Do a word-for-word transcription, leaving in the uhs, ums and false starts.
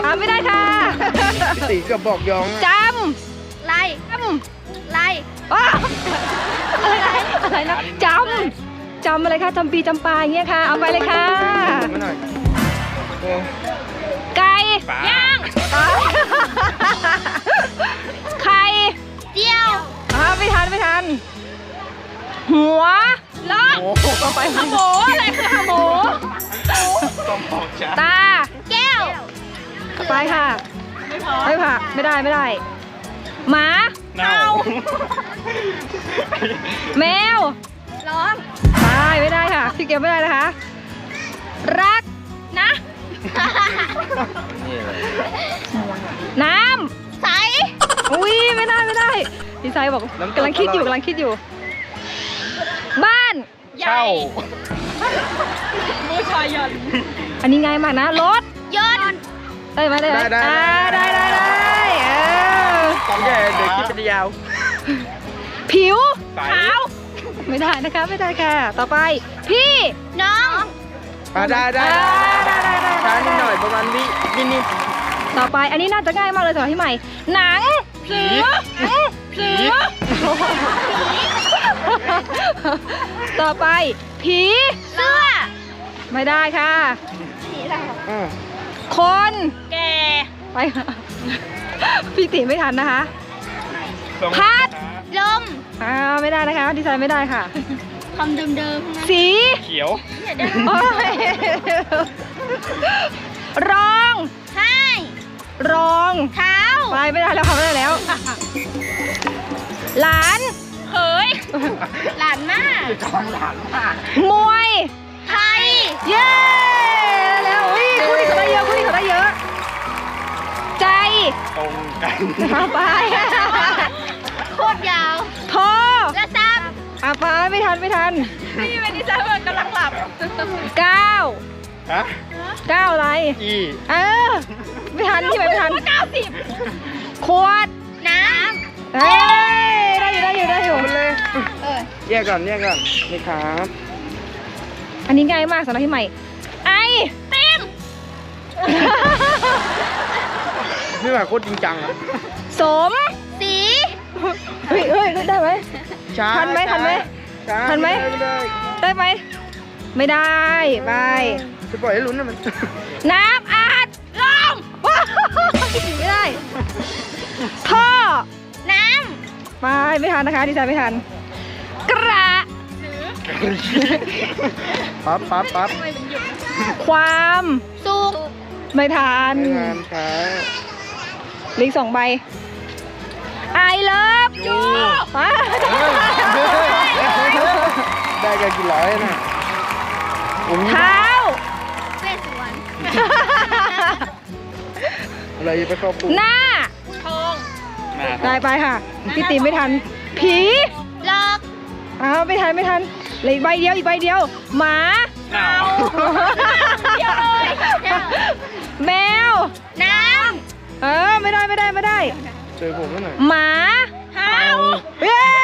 อ่าไม่ได้ค่ะพี่ตีกับบอกยองจไล่ำจำไล่ว้าอะไรนะอะไรนะจำจำอะไรคะจำปีจำปาอย่างเงี้ยค่ะเอาไปเลยค่ะไม่หน่อยโอ้ไก่ย่างไข่เจียวอ่าไม่ทันไม่ทันหัวล้อโหต่อไปหมูอะไรคือหมูต้องบอกจ้าตาแก้วไปค่ะไม่ผ่าไม่ได้ไม่ได้หมาเน่าแมวร้องไปไม่ได้ค่ะพี่เกียวไม่ได้นะคะรักนะนี่เลยน้ใสำอุ้ยไม่ได้ไม่ได้ดีไซน์บอกกำลังคิดอยู่กำลังคิดอยู่ บ้านเช่าอันนี้ง่ายมากนะรถยนต์ได้ไหมได้ไหมได้ได้อ่าได้ได้ได้เออตอนแย่เด็กคิดเป็นยาวผิวใสขาวไม่ได้นะคะไม่ได้ค่ะ ต่อไป พี่น้องอ่าได้ได้อ่าได้ได้ได้ช้านิดหน่อยประมาณวินิดนิดต่อไปอันนี้น่าจะง่ายมากเลยสำหรับพี่ใหม่ หนังผีเสือต่อไป ผีเสื้อไม่ได้ค่ะอ่าคนแก่ไปค่ะพี่ติไม่ทันนะคะสองพัดลมอ่าไม่ได้นะคะดีไซน์ไม่ได้ค่ะคำเดิมๆนะสีเขียวโอ้ยรองให้รองเท้าไปไม่ได้แล้วค่ะไม่ได้แล้ว หลานเขยหลานมากจองหลานมากมวยไทยเย้แล้วอุ้ยคู่นี้เขาได้เยอะคู่นี้เขาได้เยอะ ใจตรงกันเอาไปโคตรยาวโทรกระซับเอาไปไม่ทันไม่ทันนี่เป็นดีไซเนอร์กำลังหลับเก้าฮะเก้าอะไรอีเออไม่ทันที่ไหนไม่ทันเก้าสิบขวดน้เอ้ยได้อยู่ได้อยู่ได้อยู่มันเลยำเออแยกก่อนแยกก่อนนี่ครับอันนี้ง่ายมากสำหรับพี่ใหม่ ไอเต็มนี่แบบโคตรจริงจังอะสมสีเฮ้ยเฮ้ยได้ไหมช้าทันไหมทันไหมช้าทันไหมไม่ได้ได้ไหมไม่ได้ไปจะปล่อยให้ลุ้นนะมันน้ำอาดลมว้าวไม่ได้ท่อน้ไปไม่ทันนะคะดีไซน์ไม่ทัน กระปั๊บปั๊บปั๊บความำสุกไม่ทันงานช้าลิงสองใบ I love you ไปได้กันกี่ร้อยน่ะโอ้ยเท้าเวสสวนอะไรไปเข้าปุ๊บหน้าทองได้ไปค่ะ พี่ตีไม่ทัน ผีหลอกอ้าวไม่ทันไม่ทันเหลืออีกใบเดียวอีกใบเดียว หมาหนาวเดียวเลยแมวน้เออไม่ได้ไม่ได้ไม่ได้เจอผมแล้วหน่อยหมาำเท้าเย้